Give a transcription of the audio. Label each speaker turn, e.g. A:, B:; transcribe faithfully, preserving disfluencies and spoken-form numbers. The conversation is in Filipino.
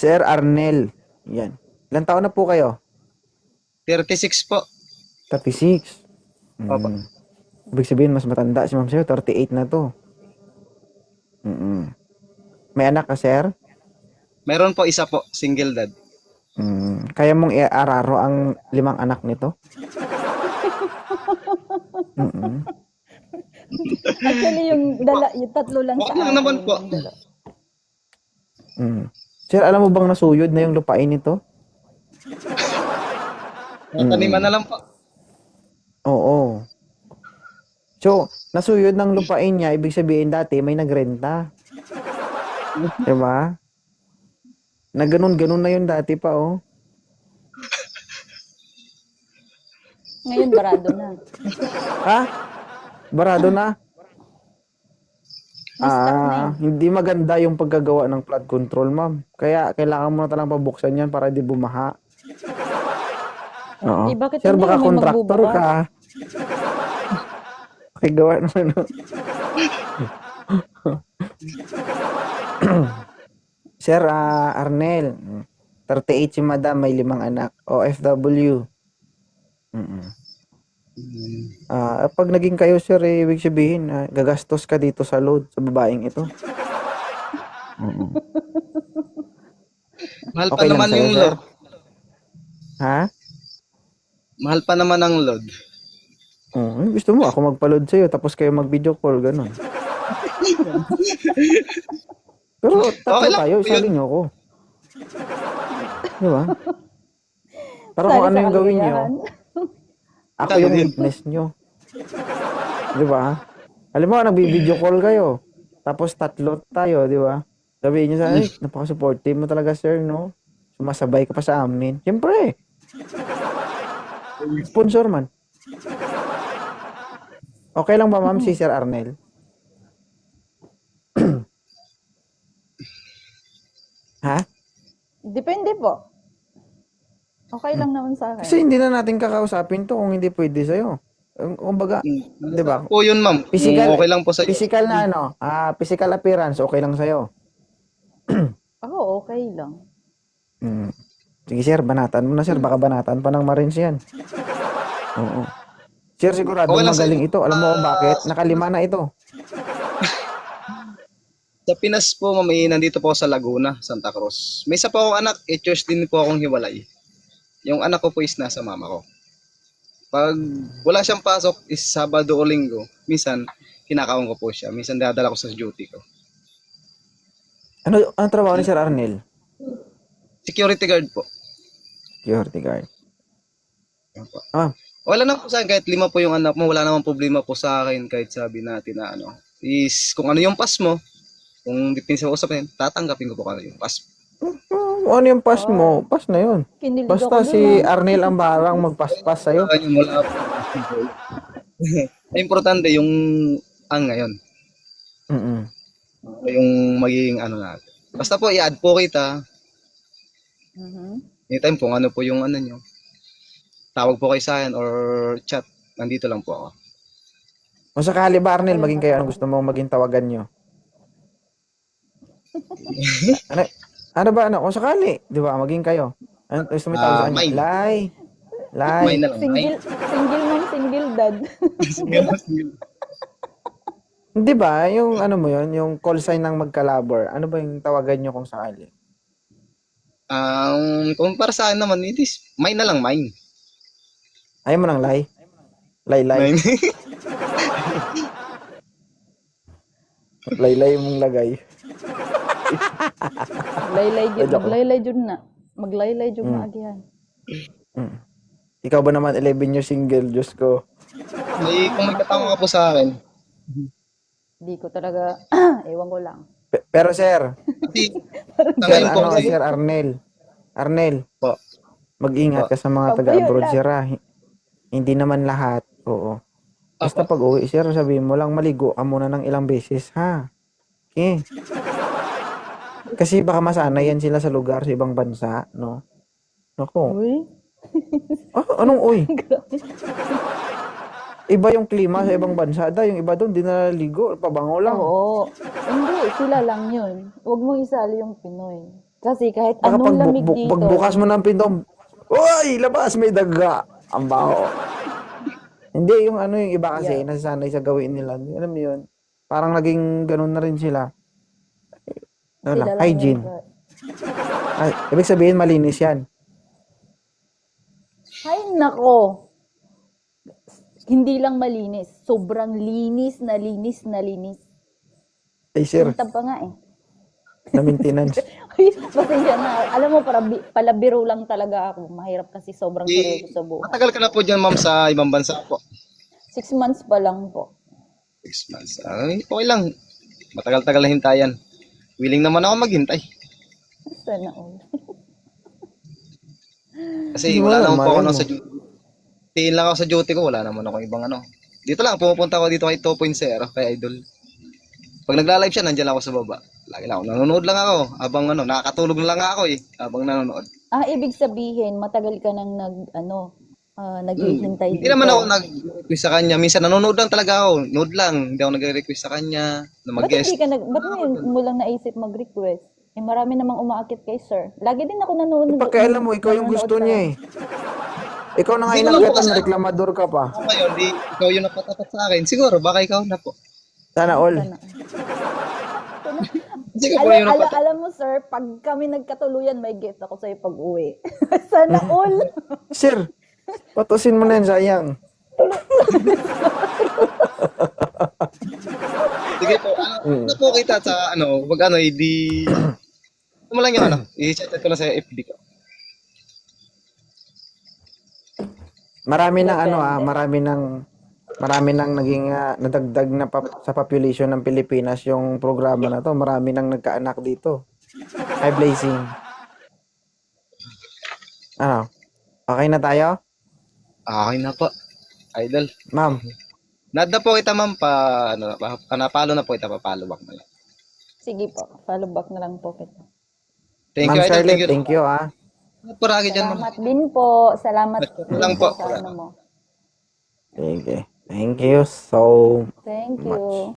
A: Sir Arnel. Yan. Ilang taon na po kayo?
B: thirty-six po.
A: thirty-six.
B: Opo.
A: Mm. Ibig sabihin, mas matanda si ma'am sa'yo. thirty-eight na to. Mm-mm. May anak ka, sir?
B: Meron po isa po, single dad.
A: Mm. Kaya mong i-araro ang limang anak nito? Mm-mm.
C: Actually, yung, dala, yung tatlo lang
B: Okay
C: sa
B: lang
C: akin.
B: naman po.
C: yung dala.
A: Mm. Sir, alam mo bang nasuyod na yung lupain nito?
B: Taniman na lang po.
A: Oo. So, nasuyod ng lupain niya, ibig sabihin dati may nagrenta. Diba? Na ganun-ganun na yun dati pa, oh.
C: Ngayon, barado na.
A: Ha? Barado na?
C: May stock na
A: Ah, hindi maganda yung paggagawa ng flood control, ma'am. Kaya kailangan mo na talang pabuksan yan para di bumaha. Oo.
C: Eh, bakit
A: Sir,
C: hindi
A: baka
C: may
A: contractor
C: magbubukas?
A: ka. Pakigawa ng ano. Sir, ah, Arnel, thirty-eight si madam, may limang anak. O F W. Mm-mm. Ah, pag naging kayo, sir, eh, ibig sabihin, ah, gagastos ka dito sa load sa babaeng ito. Mm-mm.
B: Mahal pa
A: Okay lang
B: naman
A: sa'yo,
B: yung
A: sir?
B: load.
A: Ha?
B: Mahal pa naman ang load.
A: Oh, eh, gusto mo ako magpa-load sa'yo tapos kayo mag-video call, ganun. Pero tatlo
B: Okay lang
A: tayo,
B: po
A: isali
B: yun.
A: niyo ako. Di ba? Para
C: Sali
A: kung ano
C: sa
A: yung gawin niyo,
C: kaligayahan.
A: ako
B: Kaya
A: yung
B: din.
A: witness niyo. Di ba? Alam mo, nagbi-video call kayo. Tapos tatlo tayo, di ba? Sabihin niyo sa akin, napaka-supportive mo talaga, sir, no? Sumasabay ka pa sa amin. Siyempre. Sponsor man. Okay lang ba, ma'am, si Sir Arnel? Ha?
C: Depende po. Okay lang naman sa
A: Kasi
C: akin.
A: hindi na natin kakausapin to kung hindi pwede sa'yo. Um, Kumbaga,
B: Hmm.
A: di ba?
B: Po yun, ma'am.
A: Physical,
B: Kung okay lang po sa
A: physical na ano, ah, physical appearance, okay lang sa'yo.
C: Ako, okay lang.
A: Mm. Sige, sir, banatan mo na, sir. Baka banatan pa ng Marines yan. Oo. Sir, sigurado
B: Okay lang
A: magaling
B: sa'yo.
A: ito. Alam mo kung bakit? Nakalima na ito.
B: Sa Pinas po, ma'am, eh, nandito po ako sa Laguna, Santa Cruz. May isa po akong anak, eh, church din po akong hiwalay. Yung anak ko po is nasa mama ko. Pag wala siyang pasok, is Sabado o Linggo, minsan, kinakaon ko po siya. Minsan, dadala ko sa duty ko.
A: Ano ang trabaho ni Sir Arnel?
B: Security guard po.
A: Security guard.
B: Opo.
A: Ah,
B: Wala na po sa akin, kahit lima po yung anak mo, wala namang problema po sa akin, kahit sabi natin na ano, is kung ano yung pass mo, kung dipinsa ko usapin, tatanggapin ko po kung ano yung pass mo.
A: uh, ano yung pass mo? Pass na yun.
C: Kinilig
A: Basta
C: ako
A: si
C: dun, ah.
A: Arnel ang barang magpas-pas sa'yo.
B: Kanya mula po. Importante yung ang ngayon.
A: Mm-mm.
B: Yung magiging ano natin. Basta po i-add po kita.
C: Mhm.
B: Anytime kung ano po yung ano nyo. Tawag po kayo sa akin or chat. Nandito lang po ako.
A: Kung sakali ba, Arnel, maging kayo, anong gusto mong maging tawagan nyo? ano, ano ba, ano? Kung sakali, di ba, maging kayo. Ano gusto mo tawag sa
B: Ah,
A: kanya?
B: mine.
A: Lai. Lai.
B: May na lang. May.
C: Single, single mom, single dad.
A: Di ba, yung ano mo yun, yung call sign ng magkalabor, ano ba yung tawagan nyo kung sakali?
B: Um, kung para sa akin naman, it is mine na lang, mine.
A: Ayaw mo ng Lai? Lai, Lai.
B: Mine.
A: Lai, Lai mong lagay.
C: Laylay jud,
A: Joke lang.
C: maglaylay jud na. Maglaylay jud
A: Mm.
C: na agihan.
A: Mm. Ikaw ba naman, eleven years single, Diyos ko.
B: May, kung may katama ka po sa akin.
C: Di ko talaga, ewan ko lang.
A: Pe- pero sir,
B: Kasi, sa
A: sir,
B: ngayon po,
A: ano,
B: kasi,
A: sir Arnel, Arnel,
B: po.
A: mag-ingat ka sa mga
C: Pabayot
A: taga-abroad,
C: lang.
A: sir, ah. Hi- Hindi naman lahat, oo. Basta
B: Apo.
A: pag uwi, sir, sabihin mo lang, maligo ka muna ng ilang beses, ha? Okay. Kasi baka masanay yan sila sa lugar, sa ibang bansa, no? Naku.
C: Uy,
A: Ah, anong uy? Iba yung klima sa ibang bansa, da. Yung iba doon, di naliligo, pabango lang.
C: oo. Hindi, sila lang yun. Huwag mo isali yung Pinoy. Kasi kahit
A: Baka
C: anong
A: pag,
C: lamig
A: bu-
C: dito.
A: pagbukas mo ng pinto, uy, labas, may daga. Ang baho. Hindi, yung ano yung iba kasi,
C: Yeah.
A: nasasanay sa gawin nila. Alam mo yun? Parang naging ganun na rin sila. Ano na,
C: Sila lang
A: hygiene.
C: yun.
A: Ay, ibig sabihin, malinis yan.
C: Ay, nako. Hindi lang malinis. Sobrang linis na linis na linis.
A: Ay, sir,
C: Sintab pa nga eh.
A: na maintenance.
C: Ay, pasensya na. Alam mo, para bi- palabiro lang talaga ako. Mahirap kasi sobrang
B: Di,
C: seryoso sa buhay.
B: matagal ka na po dyan, ma'am, sa ibang bansa po.
C: Six months pa lang po.
B: Six months. Ay, okay lang. Matagal-tagal na hintayan. Willing naman ako maghintay.
C: Sana all.
B: Kasi
A: Hindi mo
B: wala
A: alam,
B: naman po ako
A: malay
B: nang
A: mo.
B: sa duty. Tiin lang ako sa duty ko, wala naman ako ibang ano. Dito lang, pumupunta ako dito kay two point oh, kay Idol. Pag nagla-live siya, nandiyan lang ako sa baba. Lagi lang ako, nanonood lang ako. Habang ano, nakakatulog na lang ako eh. Habang nanonood.
C: Ah, ibig sabihin, matagal ka nang nag, ano, ah, naghihintay
B: Hindi
C: dito.
B: naman ako nag-request sa kanya. Minsan nanonood lang talaga ako. Nood lang. Hindi ako nag-request sa kanya na
C: Ba't
B: mag-guest.
C: hindi ka nag, ba't mo, mo lang naisip mag-request? Eh, marami namang umaakit kay sir. Lagi din ako nanonood.
A: Pakialam mo, ikaw yung
C: nanonood
A: gusto
C: sa-
A: niya eh. Ikaw na nga
B: Hindi ko lang po
A: inangkatan,
B: kasi-
A: reklamador ka pa.
B: Ako ngayon, di, ikaw yung napatapat sa akin. Siguro, baka ikaw na po.
A: Sana all.
C: Sana.
B: Sige po
C: Alam,
B: yung
C: alam,
B: napatapat.
C: alam mo sir, pag kami nagkatuluyan, may gift ako sa'yo pag uwi. Sana all.
A: Sir, patusin mo na yan, sayang.
B: Sige po. Ano na po kita sa ano, wag ano, hindi... Ano mo lang yung ano, i-chat ko na sa F B ko.
A: Marami ng ano ah, marami ng marami nang naging ah, nadagdag na pa- sa population ng Pilipinas yung programa na to. Marami nang nagkaanak dito. Hi, Blazing. Ano? Okay na tayo?
B: Okay na po. Idol.
A: Ma'am,
B: Nada po kita ma'am pa, ano, pa, panapalo na po kita, papalo back na lang.
C: Sige po, follow back na lang po kita.
B: Thank
A: Ma'am
B: you, Idol.
A: Charlotte,
B: Thank you.
A: thank you ah.
B: Paragi dyan, ma'am.
C: Salamat din po. Salamat din
B: Lang
C: po
B: po.
C: sa ano mo.
A: Sige. Thank you so
C: Thank
A: much.
C: you.